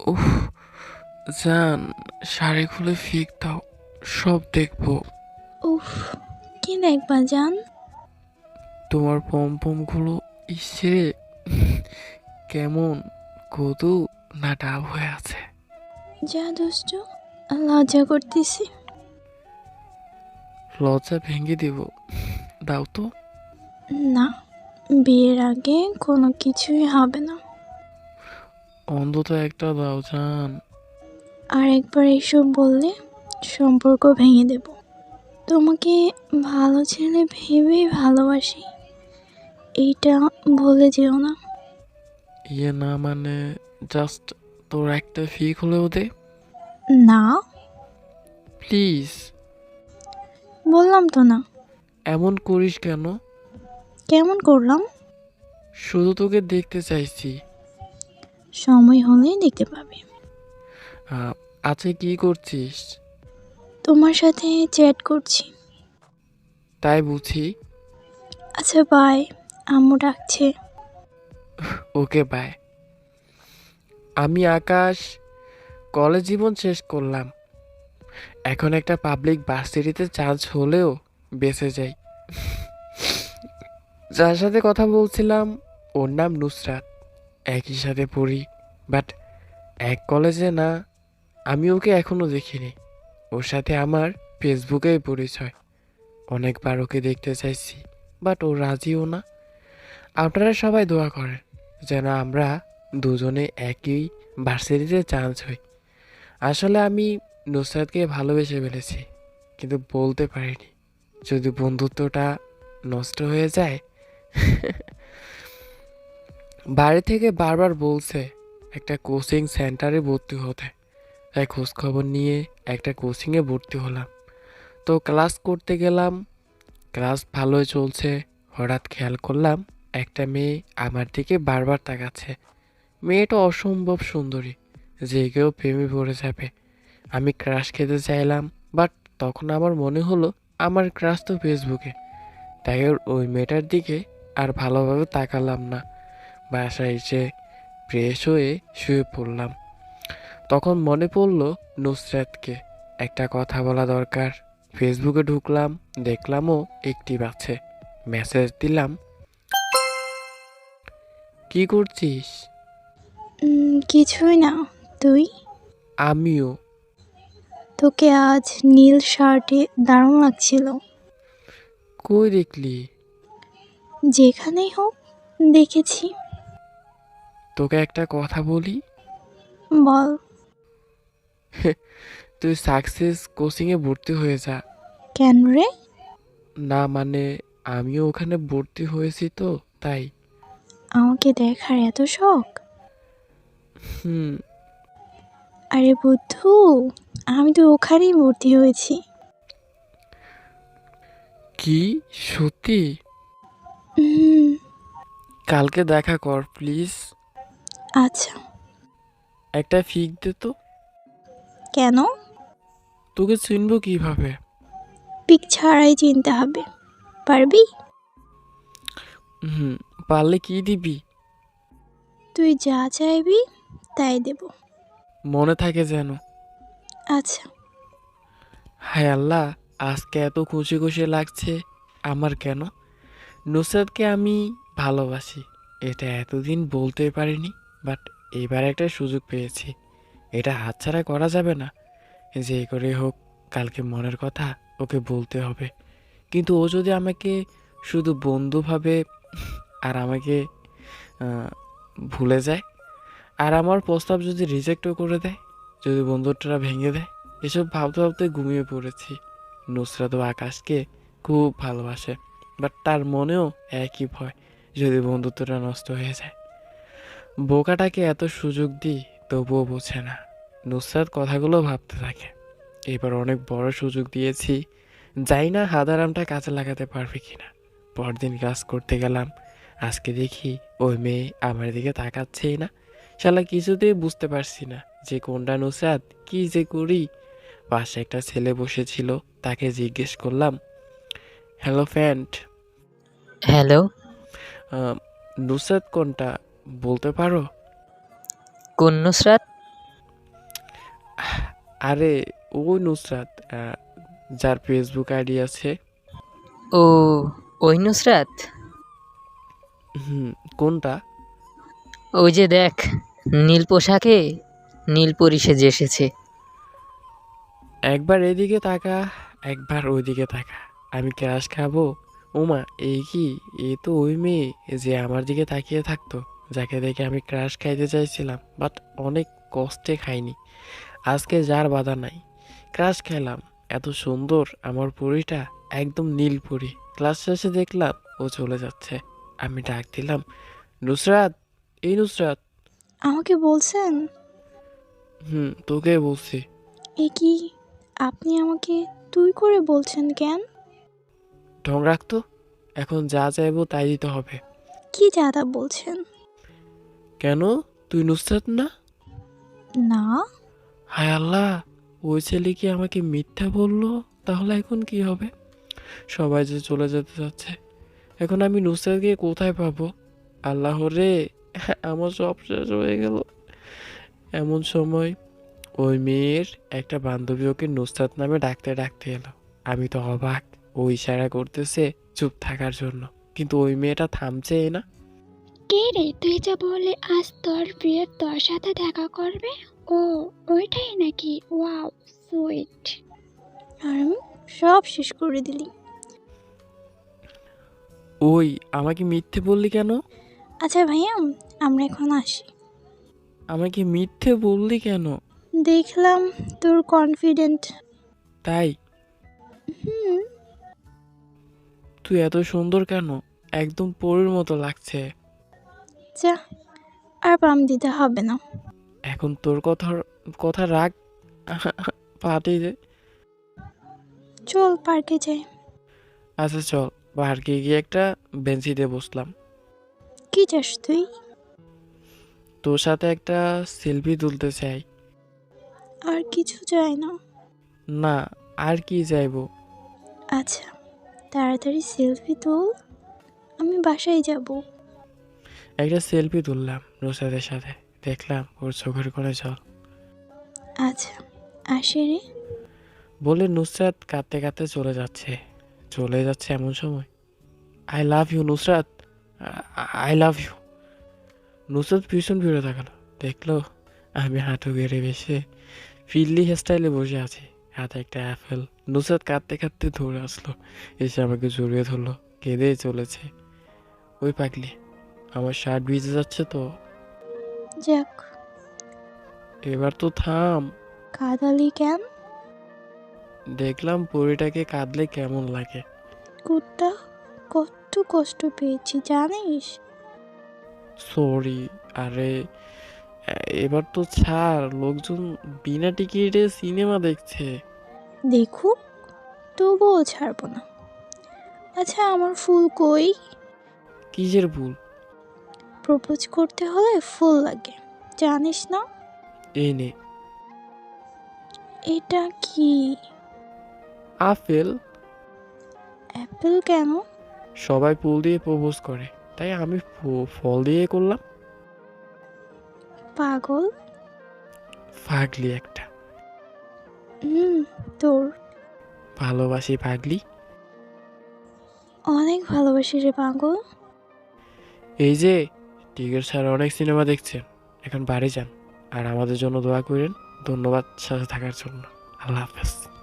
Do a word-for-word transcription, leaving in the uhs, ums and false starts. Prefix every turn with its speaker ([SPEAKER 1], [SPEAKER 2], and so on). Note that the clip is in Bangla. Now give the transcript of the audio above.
[SPEAKER 1] উফ, জান, শাড়ি খুলে ফিক দাও, সব দেখবো।
[SPEAKER 2] উফ, কি দেখবা জান?
[SPEAKER 1] তোমার পমপমগুলো ইসে কেমন কদু না ডাব হয়ে আছে।
[SPEAKER 2] যা দুষ্টু, লজ্জা করতেছি।
[SPEAKER 1] লজ্জা ভেঙে দিব, দাও তো।
[SPEAKER 2] না, বিয়ের আগে কোনো কিছুই হবে না।
[SPEAKER 1] অন্তত একটা দাও জান।
[SPEAKER 2] আর একবার এইসব বললে সম্পর্ক ভেঙে দেব। তোমাকে ভালো ছেলে ভেবেই ভালোবাসি, এইটা ভুলে যেও না।
[SPEAKER 1] ইয়ে না মানে, জাস্ট তোর একটা ফিক হলেও দে
[SPEAKER 2] না,
[SPEAKER 1] প্লিজ।
[SPEAKER 2] বললাম তো না।
[SPEAKER 1] এমন করিস কেন?
[SPEAKER 2] কেমন করলাম?
[SPEAKER 1] শুধু তোকে দেখতে চাইছি।
[SPEAKER 2] সময় হলেই দেখতে পাবে।
[SPEAKER 1] আহ, আচ্ছা, কি করছিস?
[SPEAKER 2] তোমার সাথে চ্যাট করছি।
[SPEAKER 1] তাই বুঝি।
[SPEAKER 2] আচ্ছা বাই, আম্মু ডাকছে।
[SPEAKER 1] Okay, bye. আমি আকাশ, কলেজ জীবন শেষ করলাম। এখন একটা পাবলিক ভার্সিটিতে চান্স হলেও বেঁচে যাই। যার সাথে কথা বলছিলাম ওর নাম নুসরাত, একই সাথে পড়ি, বাট এক কলেজে না। আমি ওকে এখনো দেখিনি। ওর সাথে আমার ফেসবুকেই পরিচয়। অনেকবার ওকে দেখতে চাইছি, বাট ও রাজিও না। আপনারা সবাই দোয়া করেন যেন আমরা দুজনে একই ভার্সিটিতে চান্স হই। আসলে আমি নুসরাতকে ভালোবেসে ফেলেছি, কিন্তু বলতে পারিনি। যদি বন্ধুত্বটা নষ্ট হয়ে যায়। বাড়ি থেকে বারবার বলছে একটা কোচিং সেন্টারে ভর্তি হতে, তাই খোঁজখবর নিয়ে একটা কোচিংয়ে ভর্তি হলাম। তো ক্লাস করতে গেলাম, ক্লাস ভালোই চলছে। হঠাৎ খেয়াল করলাম একটা মেয়ে আমার দিকে বারবার তাকাচ্ছে। মেয়েটা অসম্ভব সুন্দরী, যে কেউ প্রেমে পড়ে যাবে। আমি ক্রাশ খেতে চাইলাম, বাট তখন আমার মনে হলো আমার ক্রাশ তো ফেসবুকে। তাই ওর ওই মেয়েটার দিকে আর ভালোভাবে তাকালাম না। বাসায় এসে ফ্রেশ হয়ে শুয়ে পড়লাম। তখন মনে পড়লো নুসরাতকে একটা কথা বলা দরকার। ফেসবুকে ঢুকলাম, দেখলামও একটি আছে। মেসেজ দিলাম, কি করছিস?
[SPEAKER 2] উম, কিছুই না। তুই?
[SPEAKER 1] আমিও।
[SPEAKER 2] তোকে আজ নীল শার্টে দারুণ লাগছিল।
[SPEAKER 1] কই দেখলি?
[SPEAKER 2] যেখানেই হোক, দেখেছি।
[SPEAKER 1] তোকে একটা কথা বলি।
[SPEAKER 2] বল।
[SPEAKER 1] তুই সাকসেস কোচিংয়ে ভর্তি হয়ে যা।
[SPEAKER 2] কেন রে?
[SPEAKER 1] না মানে, আমিও ওখানে ভর্তি হয়েছি তো, তাই।
[SPEAKER 2] আমাকে দেখার এত শখ?
[SPEAKER 1] হুম।
[SPEAKER 2] আরে বুদ্ধু, আমি তো ওখানেই ভর্তি হয়েছি।
[SPEAKER 1] কি? সত্যি?
[SPEAKER 2] হুম।
[SPEAKER 1] কালকে দেখা কর প্লিজ।
[SPEAKER 2] আচ্ছা।
[SPEAKER 1] একটা ফিক দে তো।
[SPEAKER 2] কেন?
[SPEAKER 1] তোকে চিনবো কিভাবে?
[SPEAKER 2] পিক ছাড়াই চিনতে হবে। পারবি?
[SPEAKER 1] হুম। পারলে কি দিবি?
[SPEAKER 2] তুই যা চাইবি তাই দেব।
[SPEAKER 1] মনে থাকে যেন।
[SPEAKER 2] আচ্ছা।
[SPEAKER 1] হায় আল্লাহ, আজকে এত খুশি খুশি লাগছে। আমার কেন? নুসরাতকে আমি ভালোবাসি, এটা এতদিন বলতে পারিনি, বাট এবার একটা সুযোগ পেয়েছি। এটা হাতছাড়া করা যাবে না। যে করে হোক কালকে মনের কথা ওকে বলতে হবে। কিন্তু ও যদি আমাকে শুধু বন্ধু ভাবে আর আমাকে আহ, ভুলে যায়, আর আমার প্রস্তাব যদি রিজেক্টও করে দেয়, যদি বন্ধুত্বটা ভেঙে দেয়, এসব ভাবতে ভাবতে ঘুমিয়ে পড়েছি। নুসরাত ও আকাশকে খুব ভালোবাসে, বাট তার মনেও একই ভয়, যদি বন্ধুত্বটা নষ্ট হয়ে যায়। বোকাটাকে এত সুযোগ দিই, তবুও বোঝে না। নুসরাত কথাগুলো ভাবতে থাকে, এবার অনেক বড় সুযোগ দিয়েছি, জানি না হাদারামটা কাজে লাগাতে পারবে কিনা। পরদিন কাজ করতে গেলাম, আজকে দেখি ওই মেয়ে আমার দিকে তাকাচ্ছেই না। শালা কিছুতেই বুঝতে পারছি না যে কোনটা নুসরাত, কি যে করি। পাশে একটা ছেলে বসেছিল, তাকে জিজ্ঞেস করলাম, হ্যালো ফ্রেন্ড,
[SPEAKER 3] হ্যালো,
[SPEAKER 1] নুসরাত কোনটা বলতে পারো?
[SPEAKER 3] কোন নুসরাত?
[SPEAKER 1] আরে ওই নুসরাত, আহ, যার ফেসবুক আইডি আছে।
[SPEAKER 3] ও, ওই নুসরাত?
[SPEAKER 1] হুম। কোনটা?
[SPEAKER 3] ওই যে দেখ, নীল পোশাকে নীল পরি সেজে এসেছে।
[SPEAKER 1] একবার এদিকে তাকা, একবার ওইদিকে তাকা। আমি ক্রাশ খাবো? ওমা, এই কি? এ তো ওই মেয়ে যে আমার দিকে তাকিয়ে থাকতো, যাকে দেখে আমি ক্রাশ খাইতে চাইছিলাম, বাট অনেক কষ্টে খাইনি। আজকে যার বাধা নাই, ক্রাশ খেলাম। এত সুন্দর আমার পরীটা, একদম নীল পরী। ক্লাস শেষে দেখলাম ও চলে যাচ্ছে। আমি ডাক দিলাম, নুসরাত, এই নুসরাত।
[SPEAKER 2] আমাকে বলছেন?
[SPEAKER 1] হুম, তোকে বলছি।
[SPEAKER 2] এ কি, আপনি আমাকে তুই করে বলছেন কেন?
[SPEAKER 1] ঢং রাখতো, এখন যা চাইবো তাই দিতে হবে।
[SPEAKER 2] কি যাতা বলছেন?
[SPEAKER 1] কেন? তুই নুসরাত না?
[SPEAKER 2] না।
[SPEAKER 1] হায় আল্লাহ, ওই ছেলে কি আমাকে মিথ্যা বললো? তাহলে এখন কি হবে? সবাই যে চলে যেতে যাচ্ছে, এখন আমি নুসরাতকে কোথায় পাবো? আল্লাহ রে, আমার সব শেষ হয়ে গেল। এমন সময় ওই মেয়ের একটা বান্ধবী ওকে নুসরাত নামে ডাকতে ডাকতে এলো। আমি তো অবাক। ও ইশারা করতেছে চুপ থাকার জন্য, কিন্তু ওই মেয়েটা থামছেই না।
[SPEAKER 4] কে রে, তুই যে বললি আজ তোর প্রিয় তোর সাথে দেখা করবে? ও, ওইটাই নাকি? Wow, sweet.
[SPEAKER 2] আর আমি সব শেষ করে দিলি।
[SPEAKER 1] ওই, আমাকে মিথ্যে বললি কেন?
[SPEAKER 2] আচ্ছা ভাইয়া, আমরা এখন আসি।
[SPEAKER 1] আমাকে মিথ্যে বললি কেন?
[SPEAKER 2] দেখলাম তোর কনফিডেন্ট।
[SPEAKER 1] তাই?
[SPEAKER 2] হুম।
[SPEAKER 1] তুই এত সুন্দর কেন? একদম পরীর মতো লাগছে।
[SPEAKER 2] যা, আর পাম দিতে হবে না।
[SPEAKER 1] এখন তোর কথার কথা রাখ। পাটি দে।
[SPEAKER 2] চল পার্কে যাই।
[SPEAKER 1] আচ্ছা চল, পার্কে গিয়ে একটা বেঞ্চিতে বসলাম।
[SPEAKER 2] কি চাস তুই?
[SPEAKER 1] তোর সাথে একটা সেলফি তুলতে চাই।
[SPEAKER 2] আর কিছু চাই না।
[SPEAKER 1] না, আর কি চাইবো?
[SPEAKER 2] আচ্ছা, তাড়াতাড়ি সেলফি তোল, আমি বাসায় যাব।
[SPEAKER 1] একটা সেলফি তুললাম নুসরাতের সাথে, দেখলাম ওর চোখের কোণে জল।
[SPEAKER 2] আচ্ছা, আসি রে।
[SPEAKER 1] বলে নুসরাত কাঁদতে কাঁদতে চলে যাচ্ছে। চলে যাচ্ছে এমন সময়, I love you Nusrat, I love you. Nusrat ভীষণ ফিরে তাকালো, দেখলো আমি হাঁটু গেড়ে বসে ফিল্লি হেয়ারস্টাইলে বসে আছি, হাতে একটা অ্যাপেল। নুসরাত কাঁদতে কাঁদতে ধরে আসলো, এসে আমাকে জড়িয়ে ধরলো, কেঁদেই চলেছে। ওই পাগলি, আমার শার্ট ভিজে যাচ্ছে তো।
[SPEAKER 2] যাক,
[SPEAKER 1] এবার তো থাম।
[SPEAKER 2] কাদালি কেন?
[SPEAKER 1] দেখলাম পরিটাকে কাঁদলে কেমন লাগে।
[SPEAKER 2] কুত্তা, কত কষ্ট পেয়েছি জানিস?
[SPEAKER 1] সরি। আরে, এ- এবার তো ছাড়, লোকজন বিনা টিকিটে সিনেমা দেখছে।
[SPEAKER 2] দেখুক, তবুও ছাড়বো না। আচ্ছা, আমার ফুল কই?
[SPEAKER 1] কিসের ভুল?
[SPEAKER 2] প্রপোজ করতে হলে ফুল লাগে, জানিস না?
[SPEAKER 1] এই নে।
[SPEAKER 2] এটা কি?
[SPEAKER 1] আপেল।
[SPEAKER 2] অ্যাপেল কেন?
[SPEAKER 1] সবাই ফুল দিয়ে প্রপোজ করে, তাই আমি ফ- ফল দিয়ে করলাম।
[SPEAKER 2] পাগল।
[SPEAKER 1] পাগলি একটা।
[SPEAKER 2] হুম, তোর
[SPEAKER 1] ভালোবাসি পাগলি।
[SPEAKER 2] অনেক ভালোবাসি রে পাগল।
[SPEAKER 1] এই যে, টিকিট ছাড়া অনেক সিনেমা দেখছেন, এখন বাড়ি যান আর আমাদের জন্য দোয়া করেন। ধন্যবাদ সাথে থাকার জন্য। আল্লাহ হাফেজ।